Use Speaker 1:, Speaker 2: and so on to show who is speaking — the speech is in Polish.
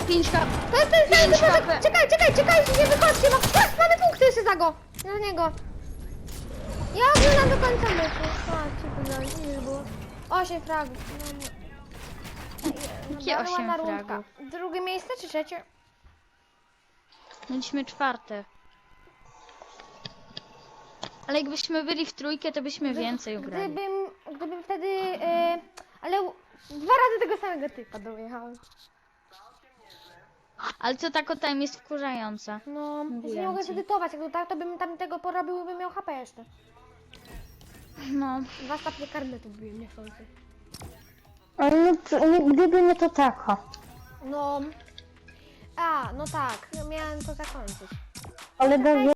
Speaker 1: 5 kap.
Speaker 2: To jest ten sam,
Speaker 1: 5
Speaker 2: tylko że...
Speaker 1: HP.
Speaker 2: Czekaj, nie wychodźcie, mamy punkty jeszcze za go. Na niego. Ja oglądam do końca meczu. Patrzcie, ile było. 8 fragów.
Speaker 1: Jakie
Speaker 2: Bardzo
Speaker 1: 8
Speaker 2: ładna rundka.
Speaker 1: fragów?
Speaker 2: Drugie miejsce czy trzecie?
Speaker 1: Mieliśmy 4. Ale jakbyśmy byli w trójkę, to byśmy więcej ugrali.
Speaker 2: Gdybym wtedy... ale 2 razy tego samego typa dojechałem.
Speaker 1: Ale co tak o time jest wkurzająca.
Speaker 2: No, ja się
Speaker 1: Mówiłem
Speaker 2: nie mogę
Speaker 1: ci.
Speaker 2: zedytować, jakby tak, to bym tam tego porobił, bym miał HP jeszcze.
Speaker 1: No.
Speaker 2: 2 stopnie karnetu byłem niechcący.
Speaker 3: Ale gdyby nie to taka.
Speaker 2: No... A, no tak, ja miałem to zakończyć.
Speaker 3: Ale